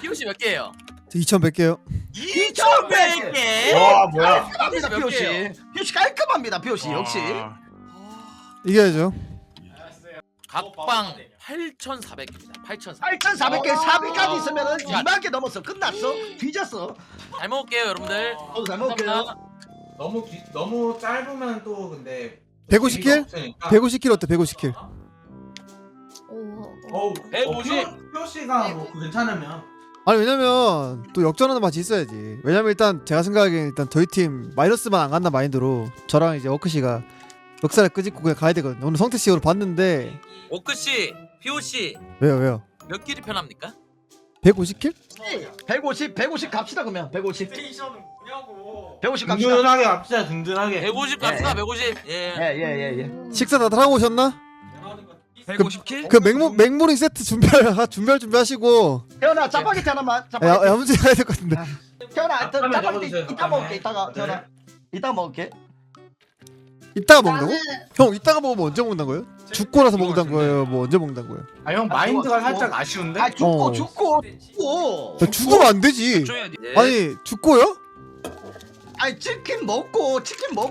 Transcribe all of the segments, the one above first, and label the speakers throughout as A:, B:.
A: POC 몇 개예요?
B: 2100개요.
A: 2100개?
C: 와 뭐야?
D: 깔끔합니다
A: 몇
D: POC.
A: 개예요?
D: POC 깔끔합니다 POC 역시.
B: 이겨야죠.
A: 각방 8,400개입니다. 8,400개.
D: 8,400개 400까지 있으면은
A: 야.
D: 2만 개 넘었어. 끝났어. 뒤졌어.
A: 잘 먹을게요, 여러분들.
D: 저도 잘 먹을게요.
C: 너무 짧으면 또 근데
B: 150킬? 150킬 어때? 150킬.
C: 어우
A: 150.
C: 표시가 뭐 괜찮으면
B: 아니 왜냐면 또 역전하는 맛이 있어야지. 왜냐면 일단 제가 생각하기엔 일단 저희 팀 마이너스만 안 간다 마인드로 저랑 이제 워크씨가 멱살을 끄집고 그냥 가야 되거든요. 오늘 성태 씨 오늘 봤는데
A: 오크 씨, POC
B: 왜요?
A: 몇 킬이 편합니까?
B: 150킬?
D: 150 갑시다 그러면 150.
E: 스테이션은 뭐냐고.
D: 150 갑시다.
C: 든든하게 갑시다 든든하게
A: 150 갑시다, 150. 예.
D: 예예예.
B: 식사 다들 하고 오셨나?
A: 150킬?
B: 그 맥모닝 세트 준비하시고
D: 태연아 짜파게티 하나만. 짜파게티.
B: 야무지게 해야 될 것 같은데.
D: 태연아
C: 앞라면
D: 짜파게티
C: 적어주세요,
D: 이따 먹을게.
C: 앞라면.
D: 이따가 태연아. 이따 먹을게.
B: 이따가 먹는다고? 형 이따가 먹으면 언제 먹는다는 거예요? 죽고 나서 먹는다는 거예요? 뭐 언제 먹는다는 거예요?
C: 아 형 마인드가
D: 죽어.
C: 살짝 아쉬운데?
D: 아 죽고
B: 어.
D: 죽고.
B: 야, 죽으면 안 되지.
A: 줘야지. 예.
B: 아니 죽고요?
D: 아니 치킨 먹고.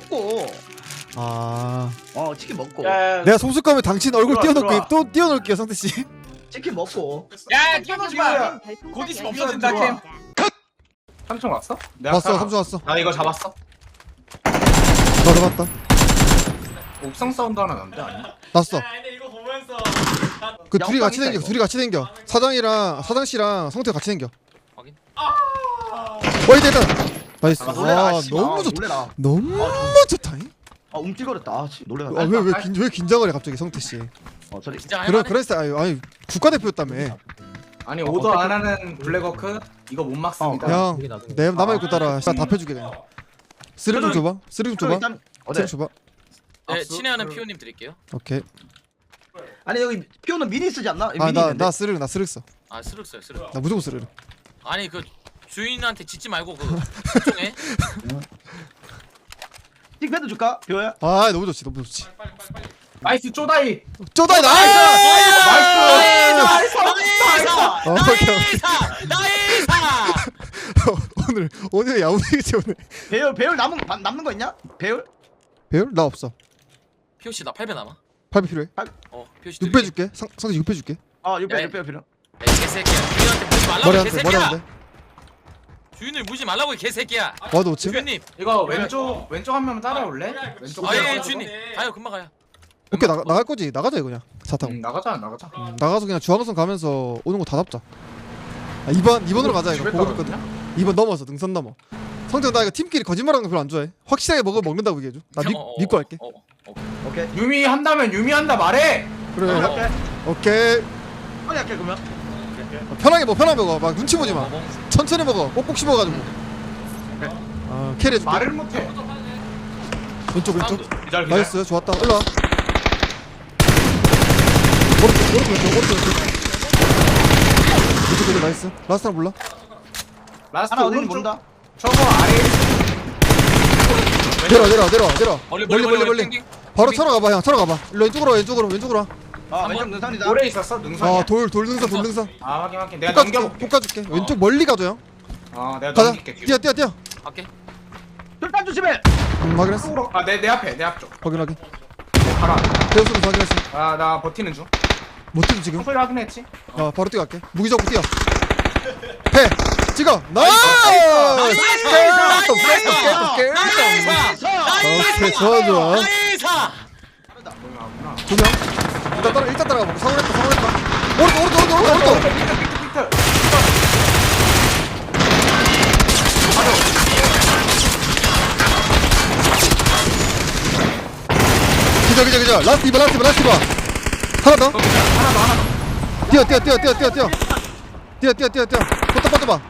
B: 아
D: 치킨 먹고.
C: 야,
B: 내가 속습감에 당신 얼굴
C: 들어와,
B: 띄워놓을게 또 띄워놓을게요 성태 씨.
D: 치킨 먹고.
E: 야, 뛰어놀지 마.
F: 곧
E: 있으면 없어진다, 캠.
C: 삼촌 왔어?
B: 왔어 삼촌 왔어.
C: 나 이거 잡았어
B: 나 잡았다.
C: 옥상 사운드 하나 남자 아니?
B: 났어.
E: 야, 근데 이거 보면서
B: 그
D: 야,
B: 둘이 같이
D: 옥상이다,
B: 댕겨.
D: 이거.
B: 둘이 같이 댕겨. 사장 씨랑 성태 같이 댕겨.
A: 확인.
B: 어이 됐다. 나이스.
D: 놀래라.
B: 아
D: 씨.
B: 너무
D: 아,
B: 좋다.
D: 놀래라.
B: 너무 좋다잉.
D: 움찔거렸다. 아, 씨, 놀래라.
B: 왜 긴장을 해 갑자기 성태 씨.
D: 소리.
A: 진짜
B: 그런
A: 할만해?
B: 스타일 아니 국가대표였다며.
C: 아니 오더 안 하는 블랙워크 이거 못 막습니다
B: 형 내 남아 있고 따라 다 패줄게 그냥. 쓰리 좀 줘봐. 쓰리 좀 줘봐.
D: 일단
B: 쓰리 줘봐.
A: 네, 친애하는 피오님 드릴게요.
B: 오케이.
D: 아니 여기 피오는 미니 쓰지 않나? 미니
B: 아나
D: 있는데.
B: 나 쓰리 써.
A: 아, 스륵 써요, 스륵.
B: 나 무조건 쓰리.
A: 아니, 그 주인한테 짓지 말고 그 걱정해.
D: 틱패드 줄까? 피오야?
B: 아 너무 좋지 너무 좋지.
C: 나이스 쪼다이
B: 쪼다이 나이스.
A: 나이스!
B: 오케이.
A: 나이스!
B: 오늘 야무지겠지 오늘.
D: 배율 남는 거 있냐? 배율?
B: 배율 나 없어.
A: POC 나 8배 남아.
B: 8배 필요해.
A: POC
B: 6배 줄게. 성태 6배 줄게.
D: 육배
A: 야,
D: 필요.
A: 야, 이 개새끼야. 주인한테 무지 말라고,
B: 머리
A: 이
B: 한 대. 머리
A: 개새끼야.
B: 한 대.
A: 주인을 무지 말라고, 이 개새끼야.
B: 와도 5층.
A: 주인님.
C: 이거 왼쪽 한 명만 따라올래? 왼쪽 한
A: 아,
C: 명.
A: 예, 주인님. 가요, 금방 가요.
B: 오케이 나갈 거지. 나가자 이거 그냥. 차 타고.
C: 나가자
B: 나가서 그냥 중앙선 가면서 오는 거 다 잡자. 아, 2번으로 가자 이거.
C: 집에
B: 보고 있거든. 2번 넘어서 능선 넘어. 성태 나 이거 팀끼리 거짓말하는 거 별로 안 좋아해. 확실하게 먹는다고 얘기해줘. 나 믿고 할게.
D: 오케이.
C: 유미 한다면 유미 한다 말해
B: 그래.
D: 할게.
B: 오케이.
D: 빨리 할게 그러면.
B: 편하게 먹어. 막 눈치 보지 마. 천천히 먹어. 꼭꼭 씹어가지고. 아 캐리 해줄게.
C: 말을 못해
B: 왼쪽.
C: 기다려
B: 나이스 좋았다. 일로 와. 오른쪽. 왼쪽 나이스. 라스트 하나 몰라.
C: 라스트
D: 하나 어딘지
C: 오른쪽
D: 모른다.
C: 저거 아래
B: 내려.
A: 멀리.
B: 바로 쳐러 가봐 형. 쳐러 가봐. 일로 왼쪽으로 와.
D: 왼쪽 능선이다.
C: 오래 있었어 능선이야
B: 돌 능선.
C: 아 확인 내가 넘겨볼게
B: 볶아줄게. 왼쪽 멀리 가줘 형.
C: 내가
B: 가자.
C: 넘길게 뒤로.
B: 뛰어.
A: 갈게.
D: 술탄 조심해.
B: 확인했어.
C: 내 앞에 내 앞쪽
B: 확인.
C: 가라
B: 대우수로 확인했어.
C: 나 버티는 중
B: 못 뛰지 지금.
C: 소리 확인했지
B: 바로 뛰어갈게. 무기 잡고 뛰어. 해. 찍어. 나이스. 오케이 좋아.
A: 나이스!
C: 뭐야
B: 두 명. 일단 따라가. 사고 냈다. 오른쪽. 기절. 라스트 이봐. 하나 더. 뛰어. 포탑 봐.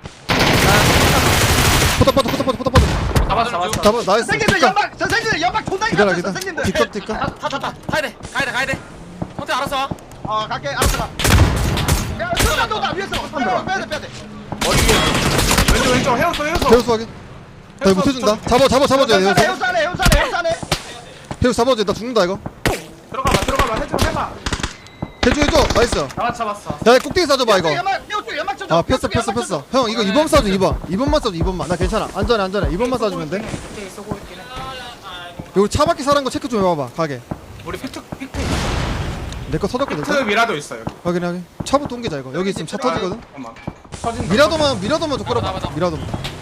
C: 잡았어
B: 잡아. 나이스.
D: 선생님들 연막 돈다기
B: 기다려.
D: 선생님들.
B: 뒷값.
A: 타. 가야 돼. 형태 알았어.
D: 갈게. 알았어. 야, 술탄 돈다 위에서. 빼야 돼.
C: 머리 위에 왼쪽 헤어서
B: 대우수 확인. 나 이거 못해준다. 잡아줘야 돼.
D: 해우사네.
B: 대우수 잡아줘. 나 죽는다 이거.
C: 들어가봐 해봐
B: 해줘 나이스.
C: 잡았어.
B: 야 꼭대기 쏴줘봐 이거.
D: 연막 쳐줘.
B: 아 폈어 형 이거 2번 쏴줘 2번만 쏴줘 2번만 나 괜찮아 안전해 2번만 쏴주면 돼.
C: 픽 쏘고 있긴 해.
B: 여기 차 밖에 사는 거 체크 좀 해봐봐 가게.
C: 우리 픽트
B: 내 거 터졌거든.
C: 미라도 있어 여기.
B: 확인 차부터 옮기자 이거. 여기 있으면 차 터지거든.
C: 잠깐만. 터진
B: 미라도만 좀 끌어봐.
A: 맞아.
B: 미라도만.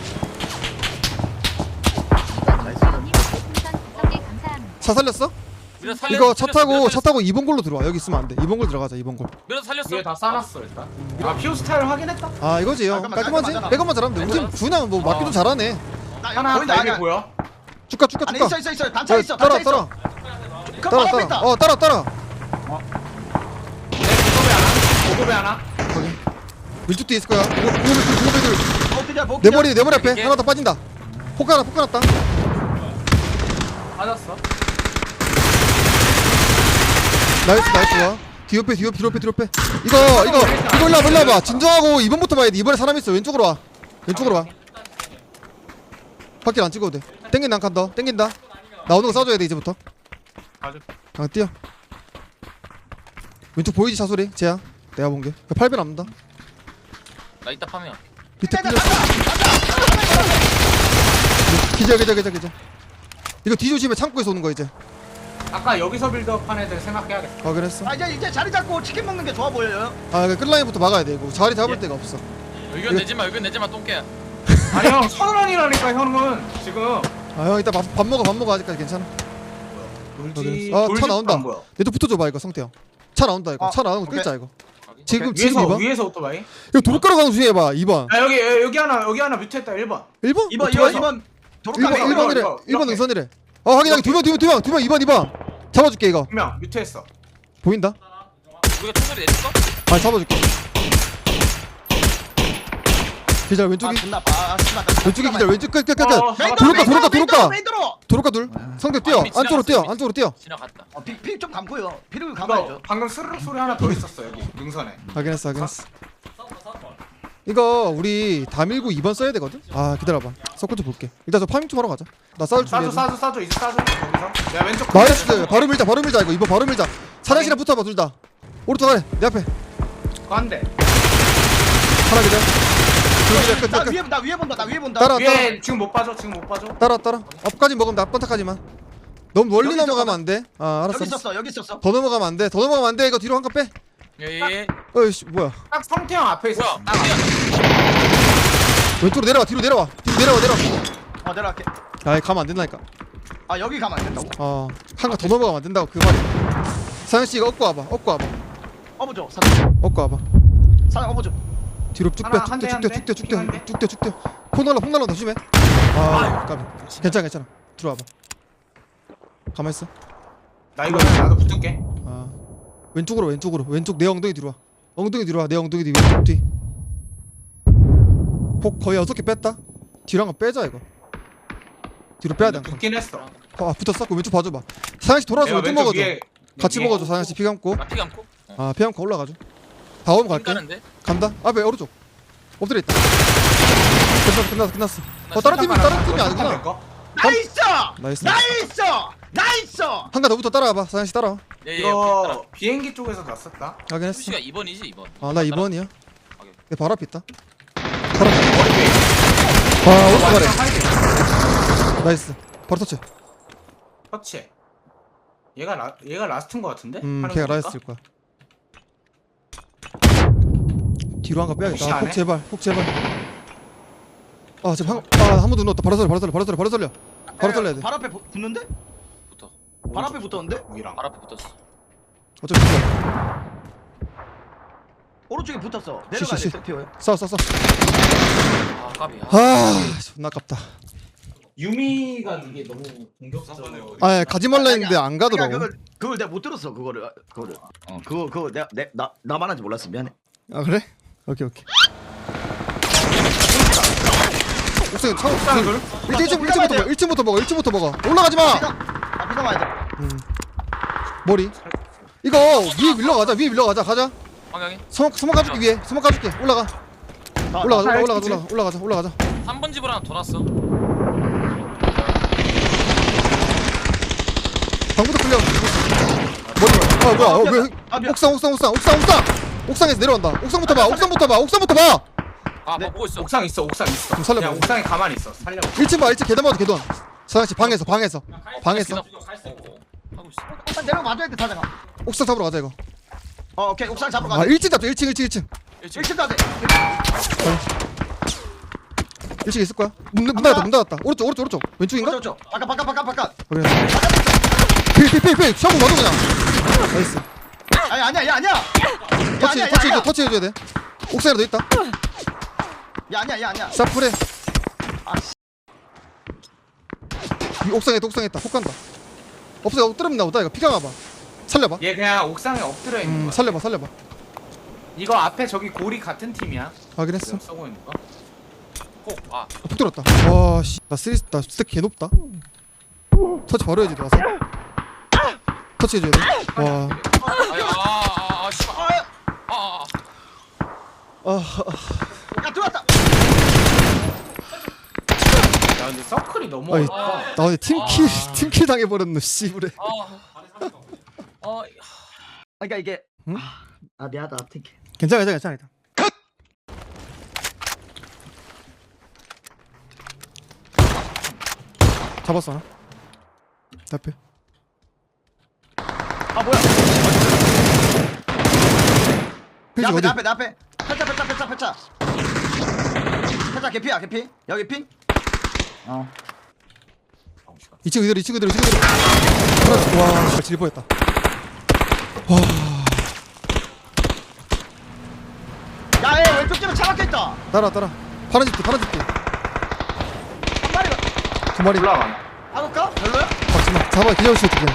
B: 차 살렸어?
A: 밀어 살려.
B: 이거 차 타고 2번 골로 들어와. 여기 있으면 안 돼. 2번 골 들어가자 2번 골.
A: 밀어 살렸어.
C: 위에 다 싸놨어 일단. 아 피오 스타일 확인했다.
B: 아 이거지 형.
D: 잠깐만,
B: 깔끔하지?
D: 잠깐만.
B: 백업만 잘하면 돼. 우리 팀 준아 뭐 맞기도 잘하네.
C: 하나
D: 보인다.
C: 나에게
D: 아니야.
C: 보여.
B: 쭉가.
D: 아니 있어. 단차 있어.
B: 따라.
D: 단차 있어. 그 바로 앞에 있다.
B: 따라.
C: 내 고급에 하나.
B: 왼쪽 뒤에 있을 거야. 고급애들.
D: 복귀자.
B: 내 머리 앞에
A: 이게?
B: 하나 더 빠진다. 폭 하나 났다.
C: 맞았어.
B: 나이스 좋아. 뒤로 빼. 이거 올라봐. 진정하고 2번부터 봐야 돼. 2번에 사람 있어. 왼쪽으로 와. 밖에 안 찍어도 돼. 땡긴다 한 칸 더. 땡긴다. 나오는 거 쏴줘야 돼 이제부터.
C: 맞아.
B: 뛰어. 왼쪽 보이지 차소리? 쟤야. 내가 본 게. 8배 남는다.
A: 나 이따 파면.
B: 밑에 끌렸어. 기절. 이거 뒤조심해. 창고에서 오는 거 이제.
C: 아까 여기서 빌드업한 애들 생각해야겠어.
B: 확인했어.
D: 아 이제 자리 잡고 치킨 먹는 게 좋아 보여요.
B: 아 끌라인부터 막아야 돼. 이거 자리 잡을 데가 없어.
A: 의견 내지마 똥개야.
C: 아니 형 선언이라니까 형은 지금.
B: 아 형 이따 밥 먹어 아직까지 괜찮아.
C: 돌지.
B: 아, 차
C: 돌집도
B: 나온다.
C: 안 보여.
B: 얘도 붙어줘봐 이거 성태 형. 차 나온다 이거. 차 나오는 거
D: 오케이.
B: 끌자 이거.
A: 오케이.
B: 지금
C: 위에서
B: 2번.
C: 위에서 오토바이.
B: 이거 도로가로 가는 중에 해봐 2번.
C: 아 여기 하나 뮤트했다 1번.
B: 1번?
D: 2번 도로가
B: 1번이래.
C: 이거,
B: 1번
C: 이렇게.
B: 능선이래. 확인하기 2번 2번 잡아줄게 이거.
C: 분명 뮤트했어.
B: 보인다?
A: 우리가 총소리 내줬어?
B: 아 잡아줄게. 기절 왼쪽이
D: 존나 봐.
B: 왼쪽이 기절 왼쪽 끝.
C: 어,
B: 도로가.
D: 메인 도로.
B: 도로가 둘. 성태 뛰어.
A: 이미
B: 안쪽으로 뛰어.
A: 지나갔다.
D: 픽좀 감고요. 피를
C: 이거
D: 감아야죠.
C: 방금 스르륵 소리 하나 더 있었어 여기 능선에.
B: 확인했어. 이거 우리 다 밀고 2번 써야 되거든? 아 기다려봐. 서클 좀 볼게. 일단 저 파밍 좀 하러 가자. 나 싸울 준비해.
C: 싸줘 이제 싸줘 거기서. 내가 왼쪽.
B: 마이너스 바로 밀자 이거. 이번 바로 밀자. 사장실에 붙어봐 둘 다. 오른쪽 아래 내 앞에.
C: 안돼.
B: 하나 기절. 둘 기절 끝.
D: 나 위에 본다.
B: 따라.
C: 위에 지금 못 빠져.
B: 따라. 앞까지 먹으면 나 번타까지만. 너무 멀리
D: 여기
B: 넘어가면 안 돼. 아 알았어.
D: 여기 있었어.
B: 더 넘어가면 안 돼. 이거 뒤로 한 칸 빼.
A: 예예.
B: 어이씨 뭐야.
C: 딱 성태형 앞에 있어.
A: 뭐야?
C: 딱
B: 왼쪽으로 내려와. 뒤로 내려와.
D: 내려갈게.
B: 아 가면 안 된다니까.
D: 아 여기 가면 안 된다고?
B: 한 칸 더 넘어가면 안 된다고 그 말이야. 사장 씨 이거 업고 와봐.
D: 어보죠. 사장.
B: 업고 와봐.
D: 사장 어보죠.
B: 뒤로 쭉
C: 하나,
B: 빼.
C: 한 대, 한 대.
B: 쭉대. 폭 날라 조심해. 아 까비. 괜찮아. 들어와봐. 가만 있어.
C: 나 이거 나도 붙을게.
B: 아 왼쪽으로 왼쪽 내 엉덩이 뒤로 와. 내 엉덩이 뒤 왼쪽 뒤. 폭 거의 6개 뺐다. 뒤로 한 거 빼자 이거. 뒤로 빼야 돼.
C: 붙긴 했어.
B: 붙었어. 그 왼쪽 봐줘봐. 사장씨 돌아서
C: 내가
B: 왼쪽
C: 왼쪽
B: 먹어줘.
C: 위에
B: 같이
C: 위에.
B: 먹어줘. 사장씨 피 감고.
A: 나피 감고.
B: 피 감고 올라가줘. 다 오면 갈게.
A: 가는데?
B: 간다. 앞에 오른쪽. 엎드려 있다. 끝났어. 다른 팀이 아니구나. 나이스.
D: 나이스.
B: 한 칸 더 붙어 따라와봐. 사장씨 따라와.
A: 예예.
C: 이거 비행기 쪽에서 났었다.
B: 확인했어.
A: 수시가 2번이지 2번.
B: 나 2번이야.
A: 오케이.
B: 내 바로 앞에 있다. 바로 앞에.
C: 머리 위에.
B: 오른쪽 아래.
C: 하이드.
B: 나이스. 바로 터치.
C: 터치. 얘가 라스트인 거 같은데? 하는
B: 걔가
C: 거 보니까?
B: 라이스일 거야. 뒤로 한 거
C: 혹시
B: 빼야겠다.
C: 안
B: 폭
C: 해?
B: 제발. 지금 한 번 더 넣었다. 바로 살려. 바로 살려야 돼.
D: 발 앞에 붙는데?
A: 붙어.
D: 발 앞에 붙었는데?
C: 위랑.
A: 발 앞에 붙었어.
B: 어차피 붙어.
D: 오른쪽에 붙었어. 내려가야
B: 씨.
D: 돼. 티어요.
B: 싸워.
A: 아 까비.
B: 존나 아깝다.
C: 유미가 이게 너무 공격적이에요.
B: 가지 말라 했는데 안 가더라고.
D: 그걸 내가 못 들었어. 그거를. 그거 내가 나만 한지 몰랐어. 미안해.
B: 아 그래? 오케이. 옥상에 차
C: 옥상 둘?
B: 1층부터 먹어. 올라가지 마.
D: 앞에서 와야 돼.
B: 머리. 이거 위에 밀러가자. 가자.
A: 방향이.
B: 소막 가줄게 위에. 소막 가줄게. 올라가자.
A: 3번 집으로 하나 더 놨어.
B: 방부터 끌려. 머리 뭐야 왜
D: 아 미안.
B: 옥상에서 내려온다. 옥상부터 봐.
A: 아
D: 네.
A: 보고 있어.
C: 옥상 있어 옥상 있어.
B: 좀 살려봐.
C: 그냥 옥상에 가만히 있어. 살려.
B: 1층 봐 1층 계단 봐도 계단. 사장씨 방에서
A: 방했어. 하고 있어.
D: 옥상 내려 맞아야 돼 사장아.
B: 옥상 잡으러 가자 이거.
D: 오케이 옥상 잡으러
B: 아
D: 가자.
B: 1층 잡자 1층
D: 1층 가자.
B: 1층 있을 거야. 문 닫았다. 오른쪽 왼쪽인가?
D: 그렇죠. 바깥.
B: 그래. 필 샤브 맞아 그냥. 나이스.
D: 아니야.
B: 터치 해줘야 돼. 옥상에도 있다.
D: 야 아니야.
B: 샤프래.
D: 아
B: 이 옥상에 있다. 폭 간다. 없어 엎드리면 나오다 이거. 피가 와봐. 살려봐.
C: 얘 그냥 옥상에 엎드려 있는 거야.
B: 살려봐.
C: 이거 앞에 저기 고리 같은 팀이야.
B: 확인했어.
C: 지금 쏘고 있는 거.
A: 꼭. 아
B: 폭 들었다. 와 씨. 나 스택 개 높다. 터치 바로 해야지 와서. 터치 해줘야 돼. 와.
A: 씨발.
D: 야 들어왔다.
C: 야 근데 서클이 너무
B: 아니,
C: 어렵다.
B: 나 어제 팀킬 당해버렸노 씨부래.
D: 그러니까 이게
B: 응?
D: 아 미안하다 팅키.
B: 괜찮아. 잡았어 하나. 앞에.
D: 아 뭐야?
B: 필지 어디?
D: 내 앞에. 펼쳐. 개피. 여기 핑.
B: 2층 그대로. 하나, 와, 진짜 질 뻔했다. 와,
D: 야, 얘 왼쪽 집에 차 막혀있다.
B: 따라. 파란 집뒤.
D: 한 마리가.
B: 2마리.
C: 올라가나.
D: 박을까? 별로야?
B: 박지마. 잡아, 기절시 어떻게.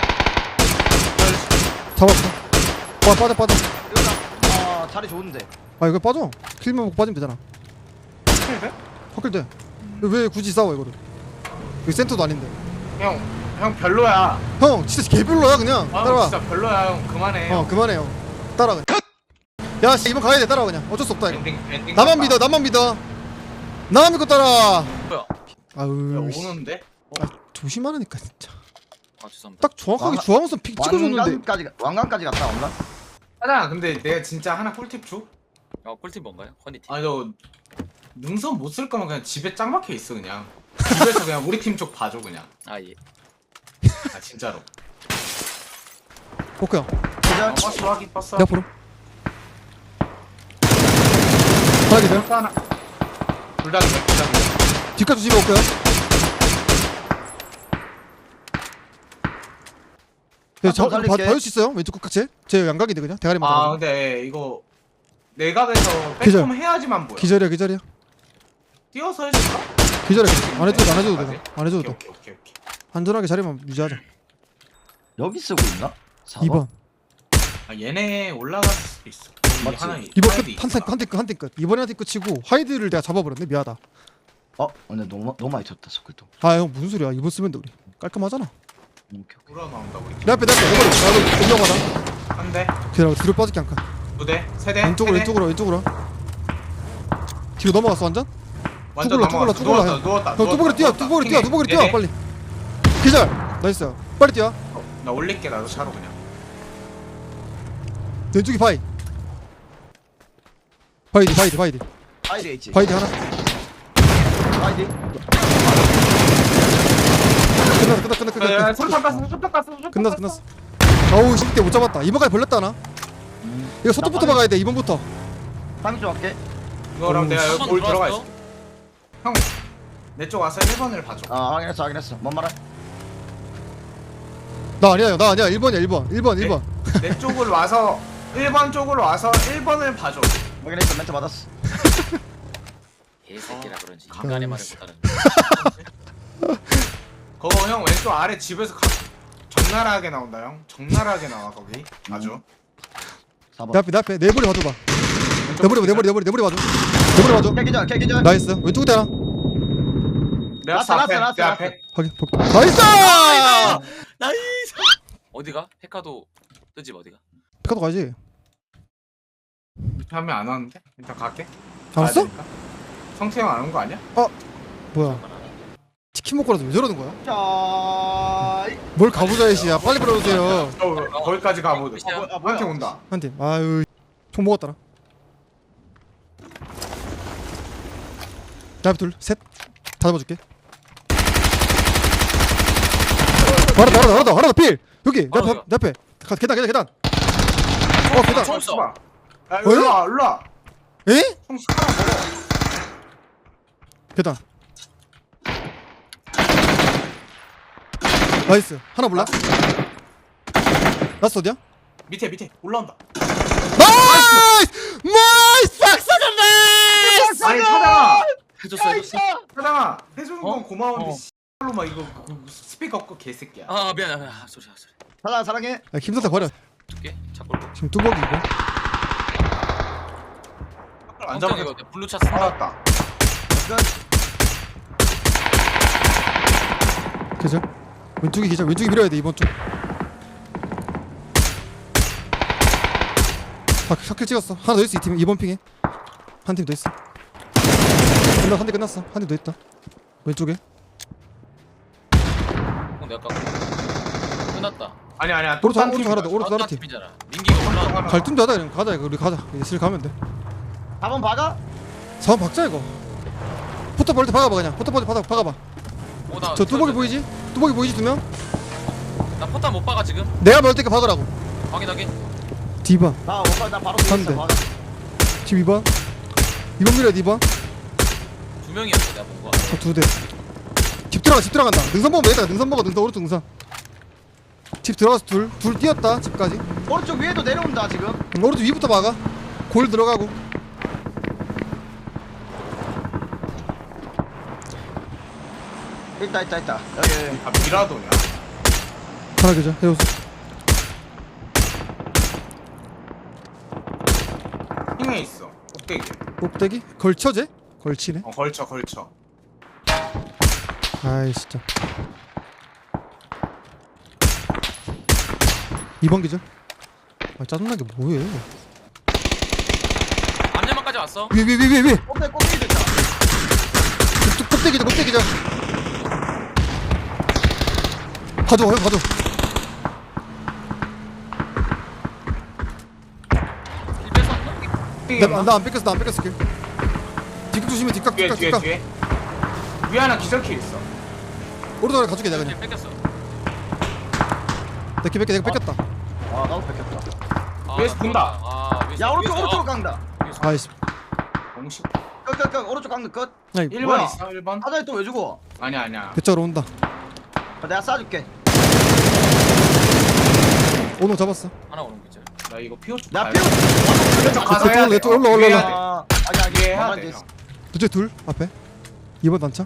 B: 잡았어. 와, 빠져.
D: 이거다. 자리 좋은데.
B: 아, 이거 빠져. 킬만 먹고 빠지면 되잖아.
C: 킬배?
B: 확킬 돼. 왜 굳이 싸워, 이거를. 여기 센터도 아닌데.
C: 형 별로야.
B: 형, 진짜 개별로야, 그냥.
C: 아
B: 따라와.
C: 진짜 별로야. 형 그만해.
B: 그만해, 형. 따라, 그냥. 야, 씨, 이번 가야 돼. 따라와, 그냥. 어쩔 수 없다, 이거.
C: 엔딩.
B: 나만 믿어. 나만 믿고 따라.
A: 뭐야?
B: 아유, 씨.
C: 오는데?
B: 아, 조심하라니까, 진짜.
A: 아 죄송합니다.
B: 딱 정확하게
D: 왕관-
B: 주황선 픽 찍어줬는데.
D: 왕관까지 갔다 온다.
C: 하나 근데 내가 진짜 하나 꿀팁 줘?
A: 꿀팁 뭔가요? 허니팀.
C: 아니 너 능선 못 쓸 거면 그냥 집에 짱 박혀 있어 그냥. 집에서 그냥 우리 팀 쪽 봐줘 그냥.
A: 예.
C: 아 진짜로.
B: 오케이.
D: 그죠?
C: 버스 확인 버스.
B: 내 앞으로. 하나 기다려.
C: 하나. 둘다 둘다.
B: 뒷까지 조심해 올게요. 네,
D: 살릴게.
B: 봐줄 수 있어요? 왼쪽 끝까지? 제 양각인데 그냥 대가리만
C: 아
B: 아,
C: 근데 이거 내각에서
B: 기절.
C: 백홈 해야지만 보여.
B: 기절이야.
C: 뛰어서 해줄까?
B: 안 해줘도 돼. 안 해줘도 돼.
C: 오케이.
B: 안전하게 자리만 유지하자.
D: 여기 쓰고 있나?
B: 2번.
C: 아 얘네 올라갈 수도 있어.
D: 맞지?
C: 하나
B: 이번
C: 하이드
B: 끝.
C: 있어.
B: 한팀 끝. 이번에 한팀 끝이고 하이드를 내가 잡아버렸네. 미안하다.
D: 근데 너무 많이 쳤다 서클도.
B: 아 형 무슨 소리야. 이번 쓰면 돼 우리. 깔끔하잖아.
D: 오케이.
C: 돌아 나온다 우리.
B: 내 앞에. 나도 공격하다.
C: 한 대,
B: 기다려. 뒤로 빠질게 한 칸.
C: 두 대, 세 대.
B: 왼쪽으로. 뒤로 넘어갔어 완전?
C: 완전
B: 뚜벅이로
C: 넘어갔어.
B: 형.
C: 누웠다.
B: 형 뚜벅이로 뛰어. 뚜벅이로 뛰어. 빨리. 기절. 나이스. 빨리 뛰어.
C: 나 올릴게 나도 차로 그냥.
B: 왼쪽이 바이디.
D: 아이디 있지.
B: 바이디 하나.
D: 아이디.
B: 끝났어. 끝났어. 어우, 10대 못 잡았다. 이번까지 벌렸다 하나. 이거 소톱부터 막아야 돼. 2번부터.
D: 방금 좀 할게.
C: 이거랑 내가 여기
A: 한번
C: 볼 들어가
A: 들어왔어?
C: 있어. 형, 내 쪽 와서 1번을 봐줘.
D: 확인했어. 뭔 말해?
B: 나 아니야. 1번이야.
C: 내 쪽으로 와서 1번 쪽으로 와서 1번을 봐줘.
D: 확인했어. 멘트 받았어.
A: 개새끼라 그런지 인간의 말을 못하는.
C: 그거 형 왼쪽 아래 집에서 적나라하게 나온다 형. 적나라하게 나와 거기. 아주.
D: 4번.
B: 내 앞에. 내 머리 봐줘봐. 내 머리 봐줘.
D: 개기절.
B: 나이스. 왼쪽 끝에 하나.
C: 내 앞에.
B: 확인. 나이스!
A: 나이스. 어디가? 헤카도 뜨집 어디가?
B: 피카도 가야지.
C: 하면 안 왔는데? 일단 갈게.
B: 안 왔어?
C: 가야 되니까. 성태형 안 온 거 아니야?
B: 뭐야? 킴 먹고라도 왜 저러는 거야?
D: 자,
B: 뭘 가보자 이씨야. 빨리 불러주세요.
C: 거기까지 가보자.
A: 아,
D: 뭐야?
C: 한팀 온다.
B: 한 팀. 아유 총 먹었더라. 나 둘, 셋. 다 잡아줄게. 하나 더 필. 여기 내
A: 하나
B: 앞에. 계단. 계단.
A: 총 없어.
C: 야, 일로 와.
B: 에?
C: 총 하나 먹어.
B: 계단. 나이스. 하나 몰라? 라스트 어디야?
C: 밑에 올라온다.
B: 나이스! 박사장 나이스!
C: 아니 차장아,
A: 해줬어.
C: 차장아 해주는 건
A: 어?
C: 고마운데
A: 어.
C: 씨발로 막 이거 스피커 없고 개새끼야.
A: 아 미안해. 소리.
D: 사랑해.
B: 야, 김선태 버려.
A: 줄게. 자꾸.
B: 지금 뚜벅이 이거.
C: 안
A: 엉덩이
C: 잡아.
A: 이거 블루 차 쓴다.
C: 알았다.
B: 계절. 왼쪽이 계절. 왼쪽이 밀어야 돼 이번 쪽. 샤클 찍었어. 하나 더 있어 이 팀. 이번 핑에 한 팀 더 있어. 한 대 끝났어. 한 팀 더 있다. 왼쪽에.
A: 내가 깎고. 끝났다.
C: 아니야.
B: 오른쪽 하나 더. 오른쪽 하나 팀.
A: 팀이잖아. 민기가 올라.
B: 갈 틈도 하다 그냥 가자 이거. 우리 가자. 이제 슬 가면 돼.
D: 4번 박아?
B: 4번 박자 이거. 포터 벌 때 박아봐 그냥. 포터 벌 때 박아봐. 저 뚜벅이 보이지? 뚜벅이 보이지 두 명?
A: 나 포탄 못 박아 지금.
B: 내가 멀 때까 박으라고.
A: 확인하게.
B: 디바.
D: 나 오빠 나 바로 뒤에
B: 한
D: 있어.
B: 대.
D: 박아.
B: 지금 2번. 2번 밀어야 돼 2번.
A: 두 명이었어 내가 본 거.
B: 두 대. 집 들어간다. 능선 보면 되겠다. 능선 먹어. 능선 오른쪽 능선. 집 들어가서 둘 뛰었다. 집까지.
D: 오른쪽 위에도 내려온다 지금.
B: 오른쪽 위부터 막아. 골 들어가고.
D: 있다. 여기.
C: 아 미라도냐?
B: 하나 계절. 해우수.
C: 핑에 있어. 꼭대기.
B: 꼭대기? 걸쳐제? 걸치네.
C: 걸쳐.
B: 아이 진짜. 2번 계절. 아 짜증나게 뭐해.
A: 암야만까지 왔어.
B: 위에.
D: 꼭대기 됐다.
B: 꼭대기자. 가져.
A: 일 뺐었나?
B: 나 안 뺏겼어 길. 뒷각 조심해. 뒷각.
C: 뒤에. 위에 하나 기절킬 있어.
B: 오른쪽으로 가줄게 내가 그냥.
A: 뺏겼어.
B: 내가 뺏겼다.
D: 아 나도 뺏겼다.
C: 위에서 본다.
A: 위에서,
D: 야 오른쪽
A: 위에서.
D: 오른쪽 강다.
B: 아이씨.
C: 공식.
D: 끝 오른쪽 강다 끝.
B: 아니
C: 1번
D: 뭐야?
C: 있어. 1번.
D: 사장이 또 왜 주고?
C: 아니야.
B: 대짜로 온다.
D: 내가 쏴줄게.
B: 오늘 잡았어.
A: 하나 오는 거 있잖아.
C: 나 이거 피오 쪽.
D: 나
C: 가야
D: 피우.
C: 돼. 왼쪽 가서 해야 돼.
B: 왼쪽 올라.
C: 해야 돼.
D: 아
C: 이게 해야
D: 가만히
C: 돼.
D: 있어.
C: 형.
B: 둘째 둘 앞에. 2번 단차.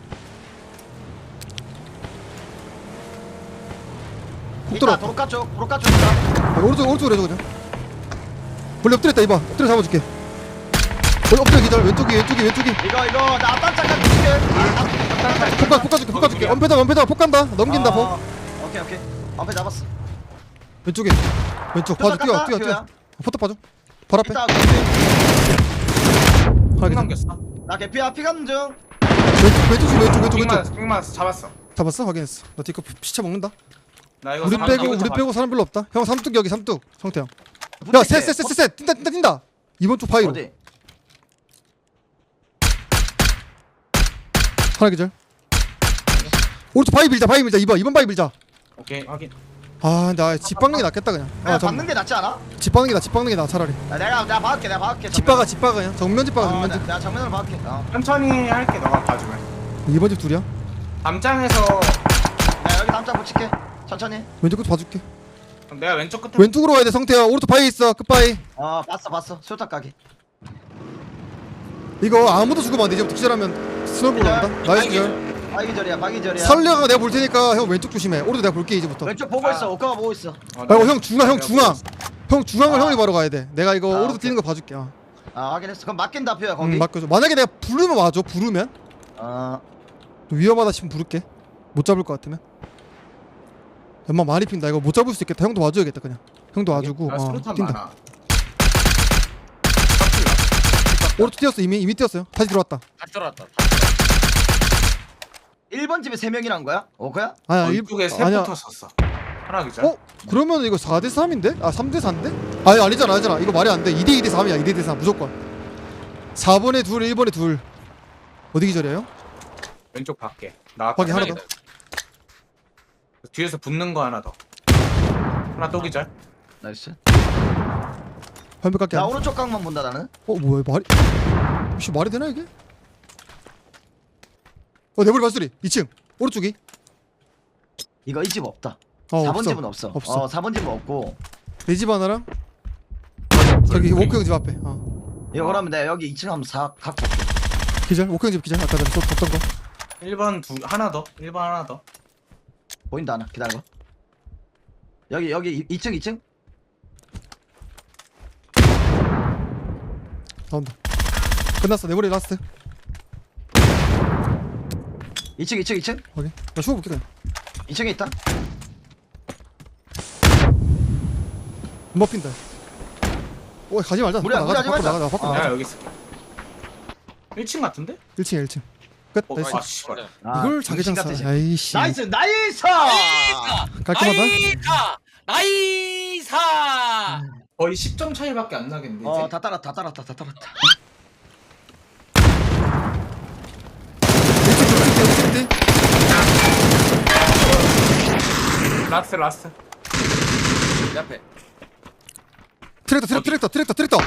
B: 훅
D: 있다
B: 들어왔다.
D: 도로가 쪽 있다.
B: 오른쪽으로 해줘 그냥. 원래 엎드렸다 2번. 엎드려 잡아줄게. 원래 엎드려 기다려. 왼쪽이.
D: 이거 나 앞단 잠깐 줄게.
B: 폭 줄게. 원패다 폭 간다. 넘긴다 폭.
D: 오케이. 앞에 잡았어.
B: 왼쪽 봐줘. 뛰어. 포터 봐줘. 바로 앞에.
D: 이따
B: 하나
C: 핑
B: 계절.
C: 남겼어.
D: 나 개피야 피 가는 중.
B: 왼쪽.
C: 핑만 잡았어.
B: 잡았어? 확인했어. 나 뒤거 시체 먹는다.
C: 나 이거
B: 우리
C: 삼-
B: 빼고 사람 별로 없다. 형 삼뚝 여기 삼뚝. 성태 형. 야, 셋. 뛴다. 이번 쪽 바위로.
D: 어디?
B: 하나 계절. 오른쪽 바위 밀자. 2번 바위 밀자.
C: 오케이 확인.
B: 아, 나 집 박는 게 낫겠다 그냥.
D: 그냥 받는 게 낫지 않아?
B: 집 박는 게 나 차라리.
D: 내가 박을게.
B: 집 박아 그냥. 정면 집 박아 정면 집.
D: 내가 정면으로 박을게.
C: 천천히 할게. 너가 봐주면.
B: 2번 집 둘이야.
C: 담장에서
D: 나 여기 담장 붙일게. 천천히.
B: 왼쪽 끝 봐줄게.
C: 내가 왼쪽 끝에.
B: 왼쪽으로 와야 돼 성태야. 오른쪽 바위 있어. 끝바위.
D: 봤어. 수류탄 가게.
B: 이거 아무도 죽으면 안 돼. 이제부터 기절하면 스노볼 한다. 나이스 기절.
D: 박이절이야.
B: 설레가 내가 볼 테니까 형 왼쪽 조심해. 오른쪽 내가 볼게 이제부터.
D: 왼쪽 보고 있어. 오카가 보고 있어.
B: 아이고 형 중앙. 형 중앙을
D: 아.
B: 형이 바로 가야 돼. 내가 이거
D: 아,
B: 오른쪽
D: 오케이.
B: 뛰는 거 봐줄게.
D: 확인했어. 그럼 맡긴다 표야 거기.
B: 맡겨줘. 만약에 내가 부르면 와줘. 부르면 위험하다 싶으면 부를게. 못 잡을 것 같으면. 엄마 많이 핀다. 이거 못 잡을 수 있겠다. 형도 와줘야겠다 그냥. 형도 와주고.
C: 수류탄
B: 뛴다.
C: 많아.
B: 오른쪽 뛰었어. 이미 뛰었어요. 다시 들어왔다.
A: 다시 들어왔다.
D: 1번 집에 3명이란 거야? 그야?
B: 아니야
C: 이쪽에
B: 아니야.
C: 셋 붙었었어. 하나 기절.
B: 어? 그러면 이거 4대3인데? 아 3대4인데? 아니 아니잖아 이거 말이 안돼 2대2대3이야 2대2대3 무조건 4번에 둘 1번에 둘 어디 기절이에요?
C: 왼쪽 밖에. 나왔다.
B: 확인 하나 더
C: 뒤에서 붙는 거 하나 더. 하나 또 기절.
D: 나이스.
B: 화면 깎게
D: 나
B: 하네.
D: 오른쪽 각만 본다 나는.
B: 뭐야 말이 혹시 말이 되나 이게? 내 머리 발소리 2층 오른쪽이
D: 이거 이 집 없다.
B: 어
D: 4번
B: 없어
D: 집은 없어.
B: 없어.
D: 4번 집은 없고.
B: 내 집 하나랑 저기 워크 형 집 앞에
D: 이거 그러면 내가 여기 2층 한번 각 볼게.
B: 기절 워크 형 집 기절 아까 전에 썼던 거
C: 1번 하나 더. 1번 하나 더.
D: 보인다 하나. 기다려. 여기 2층.
B: 나온다 끝났어 내 머리 라스트
D: 2층.
B: 확인 나 죽어볼게 그냥
D: 2층에 있다.
B: 못 핀다 가지 말자
D: 우리 하지
B: 밖으로
D: 말자.
B: 나가자 밖으로
C: 내가
B: 나가자
C: 여기 있어. 1층 같은데?
B: 1층 끝
A: 어,
B: 나이스
C: 아 씨발.
B: 이걸 자기장 사 아이씨
D: 나이스.
B: 깔끔하다
A: 나이사
C: 거의 10점 차이밖에 안 나겠는데 이제.
D: 다 따랐다.
B: 1층
C: 라스트.
A: 내 앞에
B: 트랙터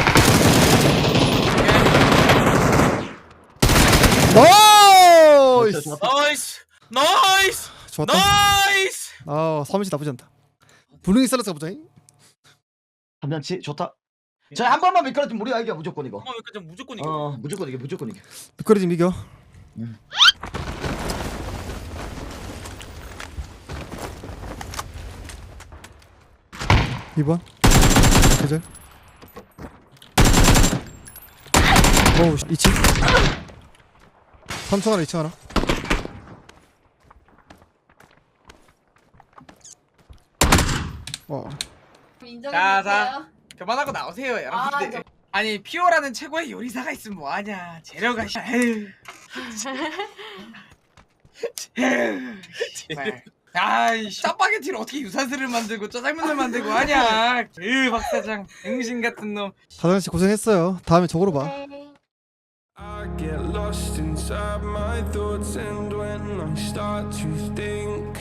B: 나이스
A: 나이스
B: 좋았다
A: 나이스
B: 사무실 나쁘지 않다 분위기 살려서 가보자
D: 한면치 좋다. 저한 번만 미끄러지면 우리가 이겨 무조건 이거.
A: 여기까지 무조건 이겨
D: 무조건 이겨.
B: 미끄러지면 이겨 2번 계절 오우 2층 3층 하나 2층 하나
E: 인정해주세요. 그만하고 나오세요 여러분들. 아니 피오라는 최고의 요리사가 있으면 뭐하냐. 재료가 에휴. 정말. 아이 짜파게티를 어떻게 유산슬을 만들고 짜장면을 만들고 하냐. 박 사장 병신 같은 놈.
B: 사장씨 고생했어요 다음에 저거로 봐
F: I get lost inside my thoughts, and when I start to think